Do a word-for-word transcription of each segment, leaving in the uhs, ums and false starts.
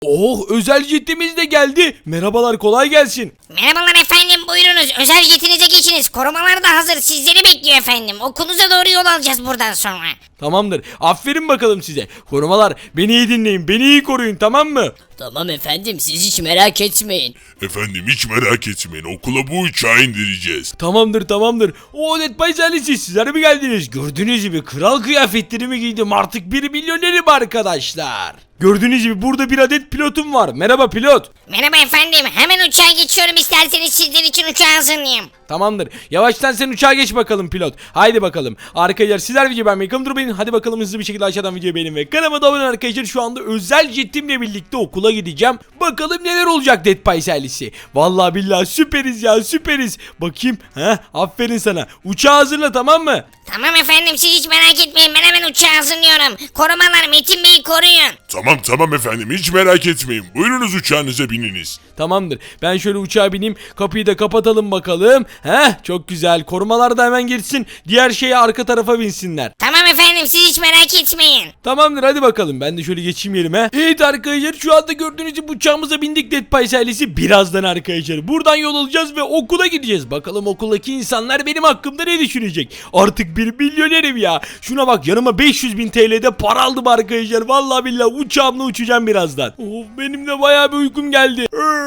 Oh, özel jetimiz de geldi. Merhabalar, kolay gelsin. Merhabalar efendim, buyurunuz. Özel jetinize geçiniz. Korumalar da hazır. Sizleri bekliyor efendim. Okulunuza doğru yol alacağız buradan sonra. Tamamdır. Aferin bakalım size. Korumalar, beni iyi dinleyin. Beni iyi koruyun, tamam mı? Tamam efendim, siz hiç merak etmeyin. Efendim hiç merak etmeyin, okula bu uçağı indireceğiz. Tamamdır tamamdır. O Dead Pies ailesi, sizler mi geldiniz? Gördüğünüz gibi kral kıyafetlerimi giydim. Artık bir milyonerim arkadaşlar. Gördüğünüz gibi burada bir adet pilotum var. Merhaba pilot. Merhaba efendim. Hemen uçağa geçiyorum, isterseniz sizler için uçağı hazırlayayım. Tamamdır. Yavaştan sen uçağa geç bakalım pilot. Haydi bakalım. Arkadaşlar sizler video beğenmeyi, kanalıma durmayın. Hadi bakalım hızlı bir şekilde aşağıdan videoyu beğenin ve kanalıma da abone olun arkadaşlar. Şu anda özel jetimle birlikte okula gideceğim. Bakalım neler olacak Dead Pies ailesi. Vallahi billahi süperiz ya, süperiz. Bakayım. Heh, aferin sana. Uçağı hazırla, tamam mı? Tamam efendim, siz hiç merak etmeyin. Ben hemen uçağı hazırlıyorum. Korumalar, Metin Bey'i koruyun. Tamam tamam efendim, hiç merak etmeyin. Buyurunuz uçağınıza bininiz. Tamamdır. Ben şöyle uçağa bineyim. Kapıyı da kapatalım bakalım. Heh, çok güzel. Korumalar da hemen geçsin. Diğer şeye arka tarafa binsinler. Tamam efendim, siz hiç merak etmeyin. Tamamdır, hadi bakalım. Ben de şöyle geçeyim yerime. Evet arkadaşlar, şu anda gördüğünüz gibi uçağımıza bindik Dead Pies ailesi. Birazdan arkadaşlar buradan yol alacağız ve okula gideceğiz. Bakalım okuldaki insanlar benim hakkımda ne düşünecek? Artık bir milyonerim ya. Şuna bak, yanıma beş yüz bin T L'de para aldım arkadaşlar. Vallahi billahi uçağımla uçacağım birazdan. Of, benim de bayağı bir uykum geldi.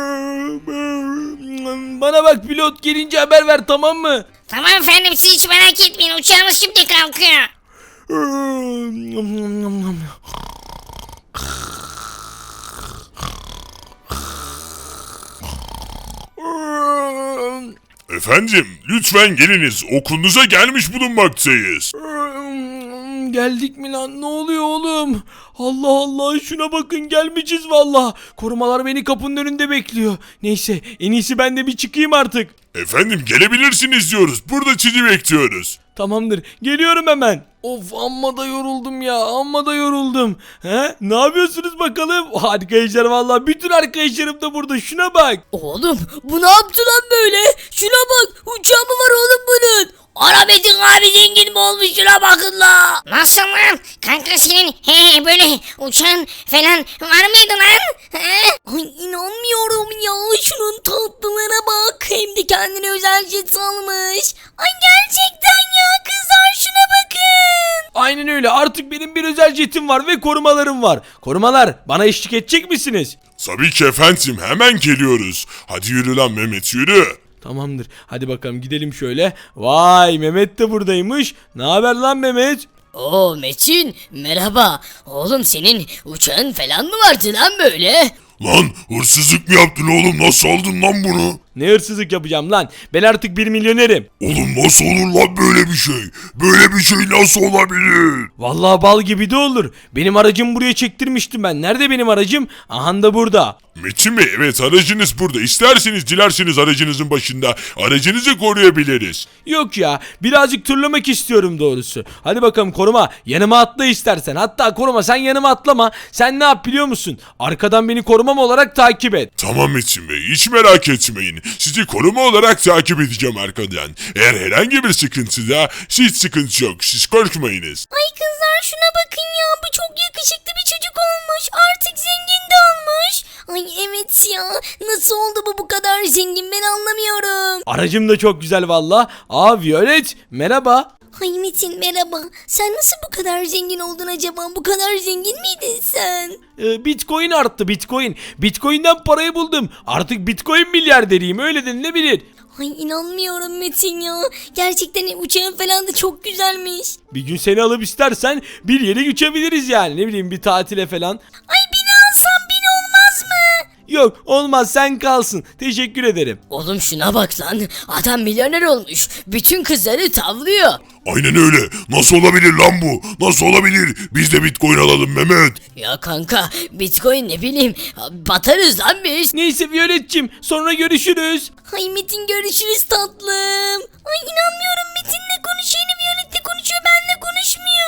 Bana bak pilot, gelince haber ver, tamam mı? Tamam efendim, siz hiç merak etmeyin. Uçağımız şimdi kalkıyor. Efendim lütfen geliniz, okulunuza gelmiş bulunmaktayız. Geldik mi lan? Ne oluyor oğlum? Allah Allah, şuna bakın, gelmişiz valla. Korumalar beni kapının önünde bekliyor. Neyse, en iyisi ben de bir çıkayım artık. Efendim gelebilirsiniz diyoruz, burada sizi bekliyoruz. Tamamdır, geliyorum hemen. Of, amma da yoruldum ya, amma da yoruldum. He? Ne yapıyorsunuz bakalım? Arkadaşlar valla bütün arkadaşlarım da burada, şuna bak. Oğlum bu ne yaptı lan böyle? Şuna bak, uçağı mı var oğlum bunun? Ara Metin abi zengin mi olmuş, şuna bakın la. Nasıl lan? Kanka senin he böyle uçağın falan var mıydı lan? He? Ay inanmıyorum ya, şunun tatlılığına bak. Hem de kendine özel jet almış. Ay gerçekten ya, kızlar şuna bakın. Aynen öyle, artık benim bir özel jetim var ve korumalarım var. Korumalar, bana eşlik edecek misiniz? Tabii ki efendim, hemen geliyoruz. Hadi yürü lan Mehmet, yürü. Tamamdır. Hadi bakalım gidelim şöyle. Vay, Mehmet de buradaymış. Ne haber lan Mehmet? Oo Metin, merhaba. Oğlum senin uçağın falan mı vardı lan böyle? Lan hırsızlık mı yaptın oğlum, nasıl aldın lan bunu? Ne hırsızlık yapacağım lan? Ben artık bir milyonerim. Oğlum nasıl olur lan böyle bir şey? Böyle bir şey nasıl olabilir? Vallahi bal gibi de olur. Benim aracımı buraya çektirmiştim ben. Nerede benim aracım? Aha da burada. Metin Bey, evet aracınız burada. İsterseniz dilerseniz aracınızın başında aracınızı koruyabiliriz. Yok ya, birazcık turlamak istiyorum doğrusu. Hadi bakalım koruma, yanıma atla istersen. Hatta koruma, sen yanıma atlama. Sen ne yap biliyor musun? Arkadan beni korumam olarak takip et. Tamam Metin Bey, hiç merak etmeyin. Sizi koruma olarak takip edeceğim arkadan. Eğer herhangi bir sıkıntıda hiç sıkıntı yok. Siz korkmayınız. Ay kızlar şuna bakın ya, bu çok yakışıklı bir çocuk olmuş. Artık zengin de olmuş. Ay evet ya, nasıl oldu bu bu kadar zengin, ben anlamıyorum. Aracım da çok güzel valla. Aa Violet, merhaba. Ay Metin merhaba, sen nasıl bu kadar zengin oldun acaba, bu kadar zengin miydin sen? Ee, Bitcoin arttı, Bitcoin. Bitcoin'den parayı buldum. Artık Bitcoin milyarderiyim, öyle denilebilir. Ay inanmıyorum Metin ya, gerçekten uçağın falan da çok güzelmiş. Bir gün seni alıp istersen bir yere geçebiliriz yani, ne bileyim bir tatile falan. Ay beni alsan bin olmaz mı? Yok olmaz, sen kalsın, teşekkür ederim. Oğlum şuna bak lan, adam milyoner olmuş, bütün kızları tavlıyor. Aynen öyle. Nasıl olabilir lan bu? Nasıl olabilir? Biz de Bitcoin alalım Mehmet. Ya kanka, Bitcoin ne bileyim, batarız lan biz. Neyse Violet'cim, sonra görüşürüz. Ay Metin görüşürüz tatlım. Ay inanmıyorum, Metin'le konuşuyor, Violet'le konuşuyor, benle konuşmuyor.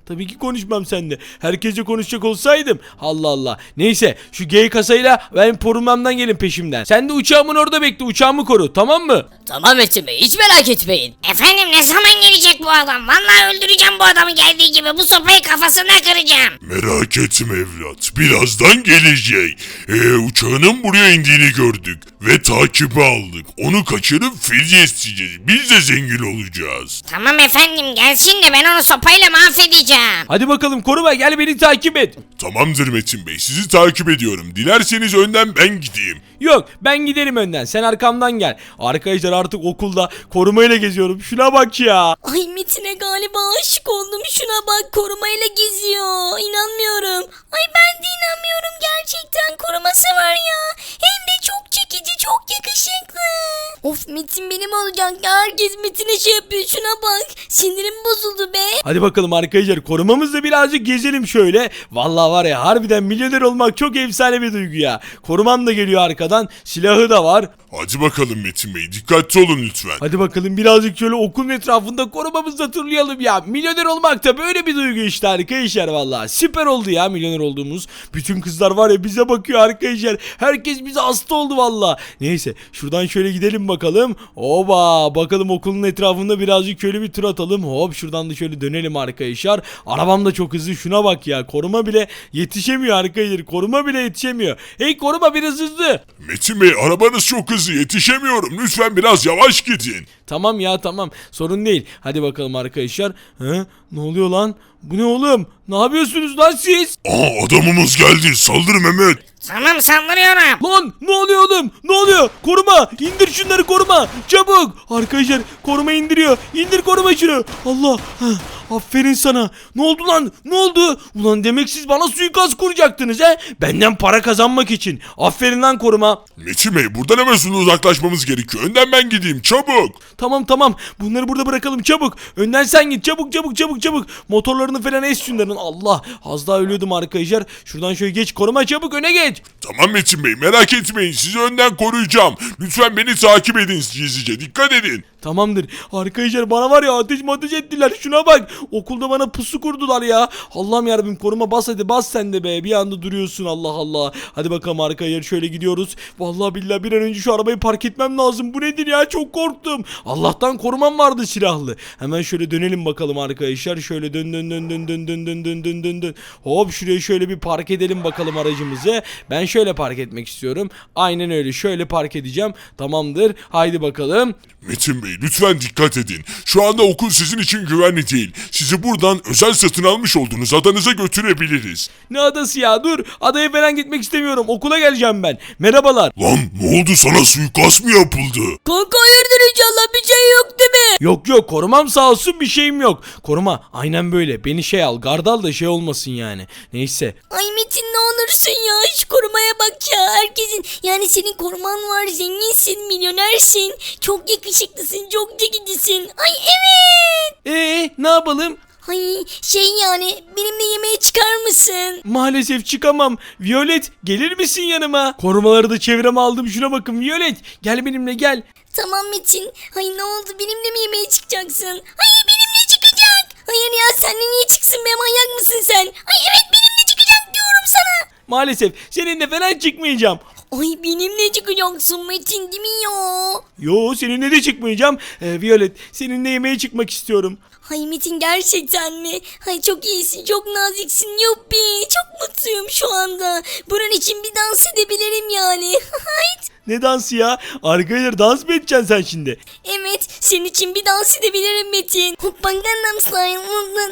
Tabii ki konuşmam seninle. Herkesle konuşacak olsaydım. Allah Allah. Neyse şu G kasayla ben korumamdan gelin peşimden. Sen de uçağımın orada bekle. Uçağımı koru, tamam mı? Tamam Metin Bey, hiç merak etmeyin. Efendim ne zaman gelecek bu adam? Vallahi öldüreceğim bu adamı geldiği gibi. Bu sopayı kafasına kıracağım. Merak etme evlat. Birazdan gelecek. Ee, uçağının buraya indiğini gördük. Ve takibi aldık. Onu kaçırıp fidye isteyeceğiz. Biz de zengin olacağız. Tamam efendim gelsin de ben onu sopayla mahvedeceğim. Hadi bakalım koruma, gel beni takip et. Tamamdır Metin Bey. Sizi takip ediyorum. Dilerseniz önden ben gideyim. Yok, ben giderim önden, sen arkamdan gel. Arkadaşlar artık okulda korumayla geziyorum. Şuna bak ya. Ay Metin'e galiba aşık oldum. Şuna bak, korumayla geziyor. İnanmıyorum. Ay ben de inanmıyorum gerçekten. Koruması var ya. Hem de çok çekici, çok yakışıklı. Of, Metin benim olacak ya. Herkes Metin'e şey yapıyor. Şuna bak. Sinirim bozuldu be. Hadi bakalım arkadaşlar, korumamızla birazcık gezelim şöyle. Vallahi var ya, harbiden milyoner olmak çok efsane bir duygu ya. Korumam da geliyor arkadan, silahı da var. Hadi bakalım Metin Bey. Dikkatli olun lütfen. Hadi bakalım birazcık şöyle okulun etrafında korumamızı turlayalım ya. Milyoner olmak da böyle bir duygu işte arkadaşlar vallahi. Süper oldu ya milyoner olduğumuz. Bütün kızlar var ya bize bakıyor arkadaşlar. Herkes bize hasta oldu vallahi. Neyse şuradan şöyle gidelim bakalım. Oba, bakalım okulun etrafında birazcık şöyle bir tur atalım. Hop, şuradan da şöyle dönelim arkadaşlar. Arabam da çok hızlı, şuna bak ya. Koruma bile yetişemiyor arkadaşlar. Koruma bile yetişemiyor. Hey koruma, biraz hızlı. Metin Bey, arabanız çok hızlı. Yetişemiyorum. Lütfen biraz yavaş gidin. Tamam ya, tamam, sorun değil. Hadi bakalım arkadaşlar. Hı? Ne oluyor lan? Bu ne oğlum? Ne yapıyorsunuz lan siz? Aa, adamımız geldi. Saldır Mehmet. Tamam saldırıyorum. Lan ne oluyor oğlum? Ne oluyor? Koruma! İndir şunları, koruma! Çabuk! Arkadaşlar koruma indiriyor. İndir koruma şunu. Allah! Heh, aferin sana. Ne oldu lan? Ne oldu? Ulan demek siz bana suikast kuracaktınız he? Benden para kazanmak için. Aferin lan koruma. Metin Bey, buradan hemen sonra uzaklaşmamız gerekiyor. Önden ben gideyim. Çabuk. Tamam tamam. Bunları burada bırakalım çabuk. Önden sen git. Çabuk çabuk çabuk çabuk. Motorlarını falan es şunların. Allah! Az daha ölüyordum arkadaşlar. Şuradan şöyle geç. Koruma çabuk öne geç. Tamam Metin Bey, merak etmeyin. Sizi önden koruyacağım. Lütfen beni takip edin gizlice. Dikkat edin. Tamamdır. Arkadaşlar bana var ya ateş ateş ettiler. Şuna bak. Okulda bana pusu kurdular ya. Allah'ım yarabbim, koruma bas hadi, bas sen de be. Bir anda duruyorsun, Allah Allah. Hadi bakalım arkadaşlar, şöyle gidiyoruz. Vallahi billahi bir an önce şu arabayı park etmem lazım. Bu nedir ya, çok korktum. Allah'tan korumam vardı silahlı. Hemen şöyle dönelim bakalım arkadaşlar. Şöyle dön dön dön dön dön dön dön dön dön dön dön. Hop, şuraya şöyle bir park edelim bakalım aracımızı. Ben şöyle park etmek istiyorum. Aynen öyle, şöyle park edeceğim. Tamamdır. Haydi bakalım. Metin Bey, lütfen dikkat edin. Şu anda okul sizin için güvenli değil. Sizi buradan özel satın almış olduğunuz adanıza götürebiliriz. Ne adası ya, dur. Adaya falan gitmek istemiyorum. Okula geleceğim ben. Merhabalar. Lan ne oldu, sana suikast mı yapıldı? Kanka hayırdır, inşallah bir şey yok değil mi? Yok yok, korumam sağ olsun, bir şeyim yok. Koruma aynen böyle. Beni şey al, gardal da şey olmasın yani. Neyse. Ay Metin ne olursun ya, şu korumaya bak ya. Herkesin, yani senin koruman var, zenginsin, milyonersin, çok yakışıklısın, çok çekicisin. Ay evet. Ee, ne yapalım? Ay şey, yani benimle yemeğe çıkar mısın? Maalesef çıkamam. Violet, gelir misin yanıma? Korumaları da çevreme aldım. Şuna bakın Violet. Gel benimle gel. Tamam Metin. Ay ne oldu, benimle mi yemeğe çıkacaksın? Hayır, benimle çıkacak. Hayır ya, seninle niye çıksın be, manyak mısın sen? Ay evet, benimle çıkacak diyorum sana. Maalesef seninle falan çıkmayacağım. Ay benimle çıkacaksın Metin değil mi ya? Yo, seninle de çıkmayacağım. Ee, Violet, seninle yemeğe çıkmak istiyorum. Ay Metin gerçekten mi? Ay çok iyisin, çok naziksin, yuppi. Çok mutluyum şu anda. Bunun için bir dans edebilirim yani. Hayt. Ne dansı ya? Arkadaşlar dans mı edeceksin sen şimdi? Evet, senin için bir dans edebilirim Metin. Hoppa Gangnam Style.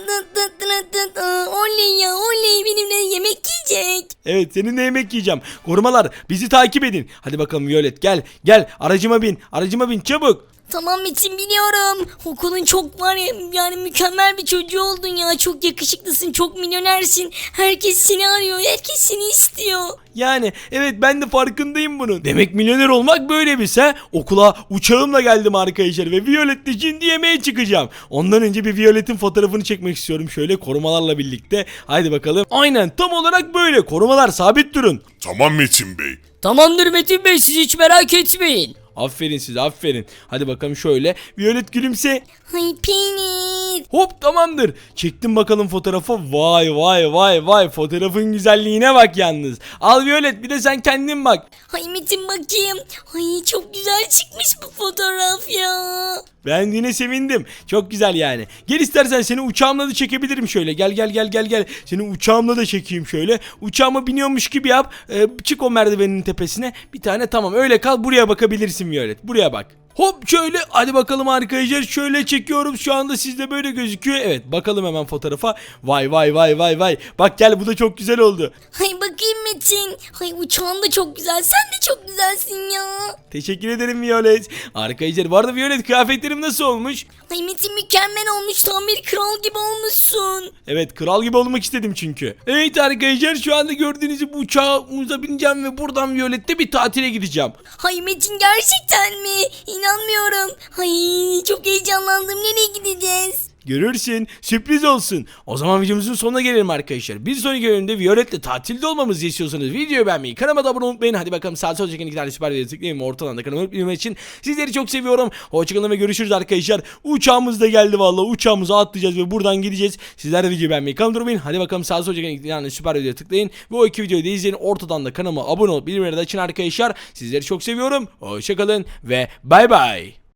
Oley ya, oley, benimle yemek yiyecek. Evet, seninle yemek yiyeceğim. Korumalar bizi takip edin. Hadi bakalım Violet, gel. Gel aracıma bin. Aracıma bin çabuk. Tamam Metin, biliyorum. Okulun çok var ya, yani mükemmel bir çocuğu oldun ya. Çok yakışıklısın, çok milyonersin. Herkes seni arıyor, herkes seni istiyor. Yani evet, ben de farkındayım bunun. Demek milyoner olmak böyle bir şey. Okula uçağımla geldim arkadaşlar ve Violet'le şimdi yemeğe çıkacağım. Ondan önce bir Violet'in fotoğrafını çekmek istiyorum şöyle korumalarla birlikte. Haydi bakalım. Aynen tam olarak böyle. Korumalar sabit durun. Tamam Metin Bey. Tamamdır Metin Bey, siz hiç merak etmeyin. Aferin size, aferin. Hadi bakalım şöyle. Violet gülümse. Ay penis. et. Hop tamamdır. Çektim bakalım fotoğrafı. Vay vay vay vay. Fotoğrafın güzelliğine bak yalnız. Al Violet bir de sen kendin bak. Ay Metin bakayım. Ay çok güzel çıkmış bu fotoğraf ya. Beğendiğine sevindim. Çok güzel yani. Gel istersen seni uçağımla da çekebilirim şöyle. Gel gel gel gel gel. Seni uçağımla da çekeyim şöyle. Uçağıma biniyormuş gibi yap. Ee, çık o merdivenin tepesine. Bir tane tamam öyle kal. Buraya bakabilirsin Violet. Buraya bak. Hop şöyle hadi bakalım arkadaşlar şöyle çekiyorum şu anda sizde böyle gözüküyor. Evet bakalım hemen fotoğrafa. Vay vay vay vay vay. Bak gel bu da çok güzel oldu. Ay bakayım Metin. Ay uçağın da çok güzel. Sen de çok güzelsin ya. Teşekkür ederim Violet. Arkadaşlar bu arada Violet kıyafetlerim nasıl olmuş? Ay Metin mükemmel olmuş. Tam bir kral gibi olmuşsun. Evet kral gibi olmak istedim çünkü. Evet arkadaşlar şu anda gördüğünüz gibi uçağımıza bineceğim ve buradan Violet'te bir tatile gideceğim. Ay Metin gerçekten mi? İnanmıyorum. Ay çok heyecanlandım. Nereye gideceğiz? Görürsün. Sürpriz olsun. O zaman videomuzun sonuna gelelim arkadaşlar. Bir sonraki bölümde Violet'le tatilde olmamızı istiyorsanız videoyu beğenmeyi, kanalıma da abone olmayı unutmayın. Hadi bakalım sağ sol çeken iki tane süper videoyu tıklayın. Ortadan da kanalıma abone olmak için sizleri çok seviyorum. Hoşçakalın ve görüşürüz arkadaşlar. Uçağımız da geldi vallahi. Uçağımıza atlayacağız ve buradan gideceğiz. Sizler de videoyu beğenmeyi, kanalıma unutmayın. Hadi bakalım sağ sol çeken iki tane süper videoyu tıklayın. Ve o iki videoyu da izleyin. Ortadan da kanalıma abone olup bildirimleri de açın arkadaşlar. Sizleri çok seviyorum. Hoşçakalın ve bay bay.